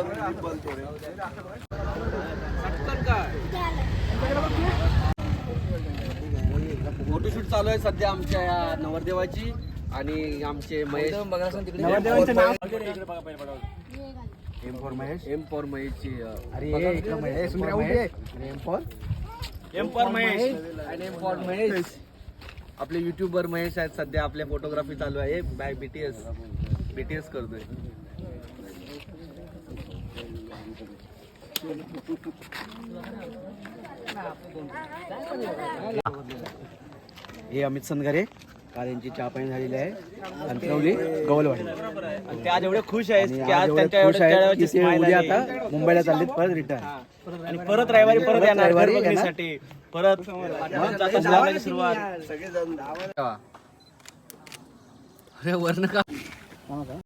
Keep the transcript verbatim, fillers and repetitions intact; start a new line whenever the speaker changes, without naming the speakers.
Photoshoot चालू आहे सध्या आमच्या या नवरदेवाची आणि आमचे महेश
नवरदेवांचं नाव
M for Mahesh M for महेशची
अरे Mahesh M for
M for Mahesh आणि एम फॉर महेश आपले युट्यूबर महेश आहेत. सध्या आपल्या फोटोग्राफी चालू आहे बाय बीटीएस बीटीएस करतोय.
हे अमित सनगरे काल यांची चहा पाणी झालेली आहे अंतरवली गवलवाडी
आणि ते आज एवढे खुश आहेत
आणि
की
आज
आज
एवढे
त्यांच्या
खुश आहेत
एवढ्या
की ते उद्या आता मुंबईला चाललेत परत रिटर्न
आणि परत रविवारी परत
परत
येणार
रविवारी
घर
येणार.
बघण्यासाठी परत ब्लॉगची सुरुवात. अरे वर्ण का